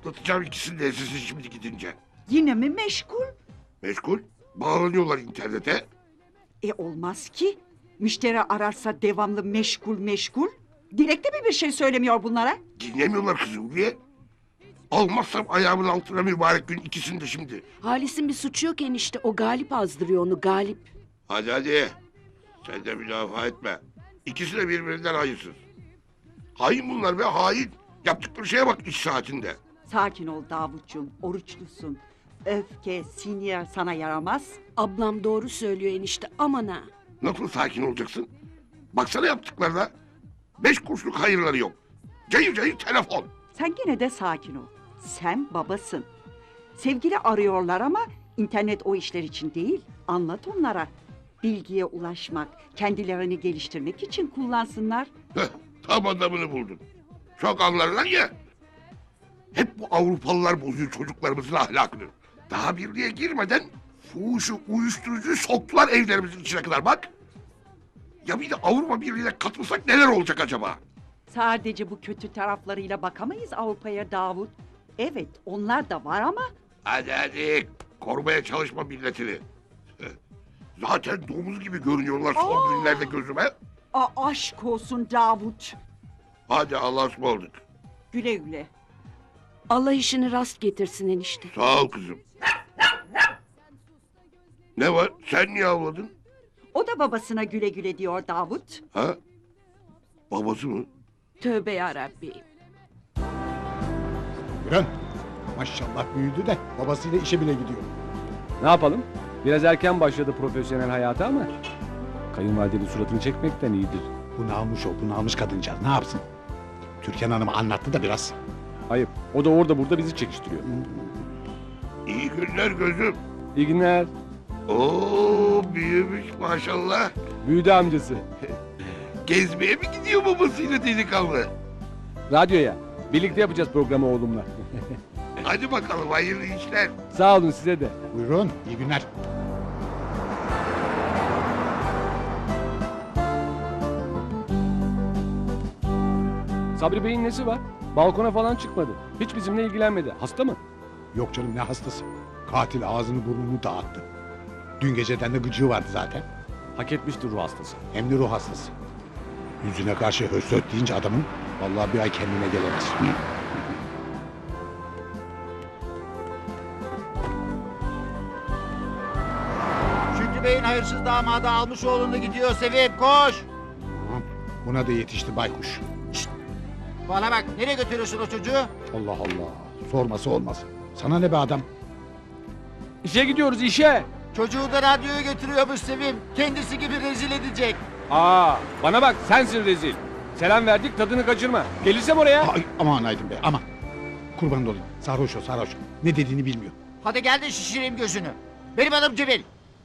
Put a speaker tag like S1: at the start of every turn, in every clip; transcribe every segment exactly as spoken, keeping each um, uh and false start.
S1: Patlatacağım ikisini de sizi şimdi gidince.
S2: Yine mi meşgul?
S1: Meşgul. Bağlanıyorlar internete.
S2: E olmaz ki. Müşteri ararsa devamlı meşgul meşgul. Dilekte mi bir şey söylemiyor bunlara?
S1: Dinlemiyorlar kızım diye. Almazsam ayağımın altına mübarek gün ikisini de şimdi.
S3: Halis'in bir suçu yok enişte. O Galip azdırıyor onu, Galip.
S1: Hadi hadi. Sen de müdafaa etme. İkisi de birbirinden hayırsız. Hain bunlar be hain. Yaptıkları şeye bak iş saatinde.
S2: Sakin ol Davutcuğum, oruçlusun. Öfke, sinir sana yaramaz.
S3: Ablam doğru söylüyor enişte, aman ha.
S1: Nasıl sakin olacaksın? Baksana yaptıklarına. Beş kuruşluk hayırları yok. Cayır cayır telefon.
S2: Sen gene de sakin ol. Sen babasın. Sevgili arıyorlar ama internet o işler için değil. Anlat onlara. Bilgiye ulaşmak, kendilerini geliştirmek için kullansınlar.
S1: Heh, tam adamını buldun. Çok anlarlar ya. Hep bu Avrupalılar bozuyor çocuklarımızın ahlakını. Daha birliğe girmeden fuhuşu, uyuşturucuyu soktular evlerimizin içine kadar bak. Ya bir de Avrupa Birliği'ne katılsak neler olacak acaba?
S2: Sadece bu kötü taraflarıyla bakamayız Avrupa'ya Davut. Evet, onlar da var ama
S1: Hadi hadi korumaya çalışma milletini. Zaten domuz gibi görünüyorlar son
S2: Aa!
S1: günlerde gözüme.
S2: a aşk olsun Davut.
S1: Hadi Allah'a ısmarladık.
S2: Güle güle.
S3: Allah işini rast getirsin enişte.
S1: Sağ ol kızım. Ne var? Sen niye avladın?
S2: O da babasına güle güle diyor Davut.
S1: Ha? Babası mı?
S3: Tövbe yarabbi.
S4: Gören maşallah büyüdü de babasıyla işe bile gidiyor.
S5: Ne yapalım? Biraz erken başladı profesyonel hayata ama kayınvalidenin suratını çekmekten iyidir.
S4: Bu namus o, bu namus kadıncağız ne yapsın? Türkan Hanım anlattı da biraz.
S5: Ayıp. O da orada burada bizi çekiştiriyor.
S1: İyi günler gözüm.
S5: İyi günler.
S1: Oo büyümüş maşallah.
S5: Büyüdü amcası.
S1: Gezmeye mi gidiyor babasıyla delikanlı?
S5: Radyoya. Birlikte yapacağız programı oğlumla.
S1: Hadi bakalım hayırlı işler.
S5: Sağ olun size de.
S4: Buyurun, iyi günler.
S5: Sabri Bey'in nesi var? Balkona falan çıkmadı. Hiç bizimle ilgilenmedi. Hasta mı?
S4: Yok canım ne hastası. Katil ağzını burnunu dağıttı. Dün geceden de gıcığı vardı zaten.
S5: Hak etmiştir ruh hastası.
S4: Hem de ruh hastası. Yüzüne karşı höstöt deyince adamın vallahi bir ay kendine gelemez.
S6: Şükrü Bey'in hayırsız damadı almış oğlunu gidiyor Sevim koş.
S4: Tamam, buna da yetişti baykuş.
S6: Bana bak nereye götürüyorsun o çocuğu?
S4: Allah Allah, sorması olmaz. Sana ne be adam?
S5: İşe gidiyoruz işe.
S6: Çocuğu da radyoya götürüyormuş Sevim. Kendisi gibi rezil edecek.
S5: Aa, bana bak sensin rezil. Selam verdik tadını kaçırma. Gelirsem oraya.
S4: Ay, aman Aydın Bey, aman. Kurban olayım, sarhoş o sarhoş. Ne dediğini bilmiyor.
S6: Hadi gel de şişireyim gözünü. Benim adım Cemil.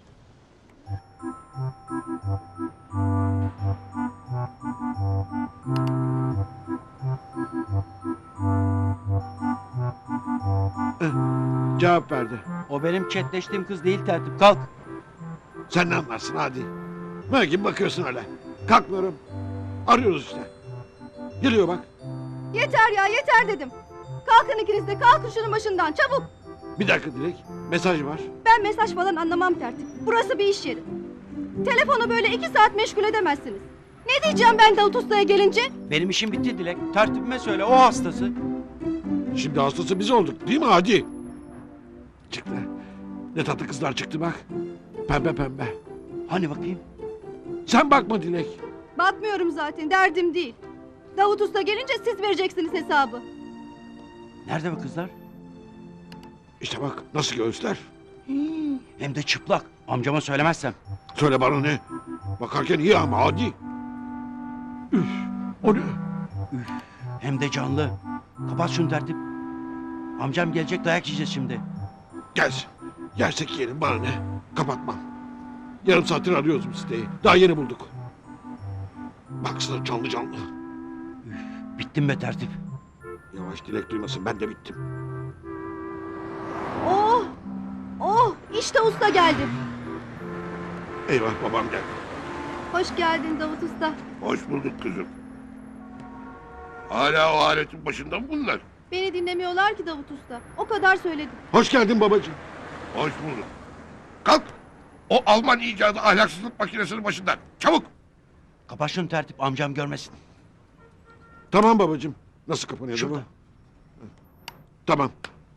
S7: Cevap verdi.
S6: O benim chatleştiğim kız değil tertip. Kalk.
S7: Sen ne anlarsın hadi. Belki bakıyorsun öyle. Kalkmıyorum. Arıyoruz işte. Geliyor bak.
S8: Yeter ya yeter dedim. Kalkın ikiniz de kalkın şunun başından çabuk.
S7: Bir dakika Dilek. Mesaj var.
S8: Ben mesaj falan anlamam tertip. Burası bir iş yeri. Telefonu böyle iki saat meşgul edemezsiniz. Ne diyeceğim ben Davut Usta'ya gelince?
S6: Benim işim bitti Dilek. Tertibime söyle o hastası.
S7: Şimdi hastası biz olduk değil mi hadi? Çıktı. Ne tatlı kızlar çıktı bak. Pembe pembe.
S6: Hani bakayım?
S7: Sen bakma Dilek.
S8: Bakmıyorum zaten derdim değil. Davut Usta gelince siz vereceksiniz hesabı.
S6: Nerede bu kızlar?
S7: İşte bak nasıl göğüsler.
S6: Hem de çıplak. Amcama söylemezsem.
S7: Söyle bana ne? Bakarken iyi ama hadi. Üf. O ne?
S6: Hem de canlı. Kapat şunu tertip. Amcam gelecek dayak yiyeceğiz şimdi.
S7: Gelsin. Yersek yiyelim bana ne? Kapatmam. Yarım saattir arıyoruz bu siteyi. Daha yeni bulduk. Baksana canlı canlı.
S6: Bittim be tertip.
S7: Yavaş Dilek duymasın ben de bittim.
S8: Oh! Oh! İşte usta geldi.
S1: Eyvah babam geldi.
S8: Hoş geldin Davut Usta.
S1: Hoş bulduk kızım. Hala o aletin başında mı bunlar?
S8: Beni dinlemiyorlar ki Davut Usta. O kadar söyledim.
S7: Hoş geldin babacığım.
S1: Hoş bulduk. Kalk. O Alman icadı ahlaksızlık makinesinin başından. Çabuk.
S6: Kapat şunu tertip, amcam görmesin.
S7: Tamam babacığım. Nasıl kapanıyor
S6: Şurada.
S7: bu? Tamam.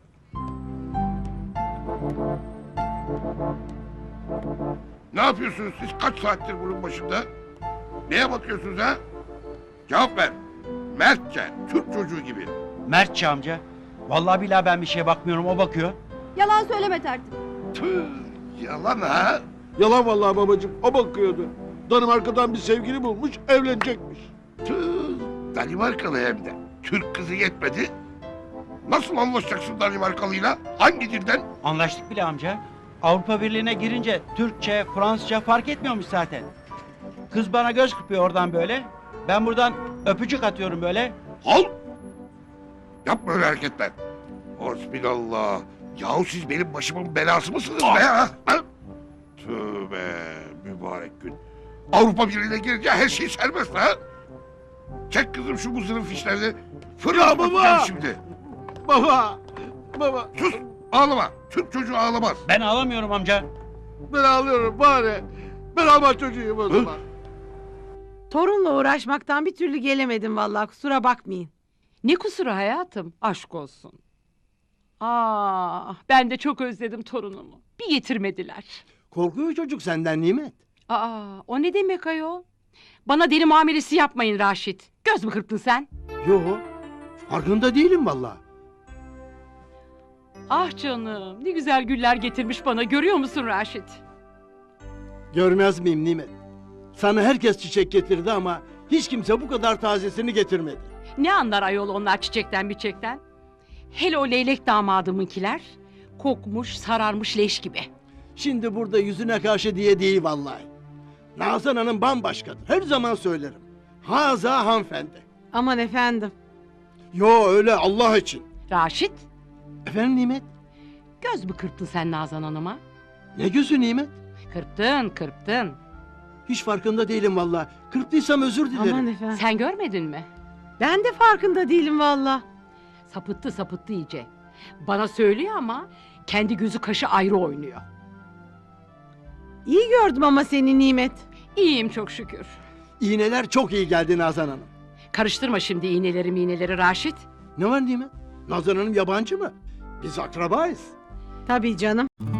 S1: Ne yapıyorsunuz siz kaç saattir bunun başında? Neye bakıyorsunuz ha? Cevap ver. Mertçe, Türk çocuğu gibi.
S6: Mertçe amca. Vallahi billahi ben bir şeye bakmıyorum, o bakıyor.
S8: Yalan söyleme tertip.
S1: Tüh, yalan ha.
S7: Yalan vallahi babacığım. O bakıyordu. Danimarka'dan bir sevgili bulmuş, evlenecekmiş.
S1: Tüh, Danimarkalı hem de. Türk kızı yetmedi. Nasıl anlaşacaksın Danimarkalıyla? Hangi dilden?
S6: Anlaştık bile amca. Avrupa Birliği'ne girince Türkçe, Fransızca fark etmiyormuş zaten. Kız bana göz kırpıyor oradan böyle. Ben buradan öpücük atıyorum böyle.
S1: Al. Yapma öyle hareketler. Hasbinallah. Yahu siz benim başımın belası mısınız be ya? Ha? Tövbe mübarek gün. Avrupa Birliği'ne girince her şey serbest ha? Çek kızım şu muzırın fişlerini. Fırına
S7: Ya baba!
S1: bakacağım şimdi.
S7: Baba! Baba!
S1: Sus ağlama. Türk çocuğu ağlamaz.
S6: Ben ağlamıyorum amca.
S7: Ben ağlıyorum bari. Ben Alman çocuğuyum o zaman.
S9: Torunla uğraşmaktan bir türlü gelemedim vallahi, kusura bakmayın.
S3: Ne kusuru hayatım? Aşk olsun. Ah, ben de çok özledim torunumu. Bir getirmediler.
S10: Korkuyor çocuk senden Nimet.
S3: Aa, o ne demek ayol? Bana deli muamelesi yapmayın Raşit. Göz mü kırptın sen?
S10: Yo, farkında değilim vallahi.
S3: Ah canım, ne güzel güller getirmiş bana. Görüyor musun Raşit?
S10: Görmez miyim Nimet? Sana herkes çiçek getirdi ama hiç kimse bu kadar tazesini getirmedi.
S3: Ne anlar ayol onlar çiçekten biçekten? Hele o leylek damadımınkiler kokmuş, sararmış leş gibi.
S10: Şimdi burada yüzüne karşı diye değil vallahi. Nazan Hanım bambaşkadır. Her zaman söylerim. Haza hanımefendi.
S9: Aman efendim.
S10: Yo öyle Allah için.
S3: Raşit,
S10: Efendim Nimet?
S3: göz mü kırptın sen Nazan Hanım'a?
S10: Ne gözü Nimet?
S3: Kırptın, kırptın.
S10: Hiç farkında değilim vallahi. Kırptıysam özür dilerim.
S9: Aman efendim.
S3: Sen görmedin mi?
S9: Ben de farkında değilim vallahi.
S3: Sapıttı sapıttı iyice. Bana söylüyor ama kendi gözü kaşı ayrı oynuyor.
S9: İyi gördüm ama seni Nimet.
S3: İyiyim çok şükür.
S10: İğneler çok iyi geldi Nazan Hanım.
S3: Karıştırma şimdi iğneleri miğneleri Raşit.
S10: Ne var Nimet? Nazan Hanım yabancı mı? Biz akrabayız.
S9: Tabii canım.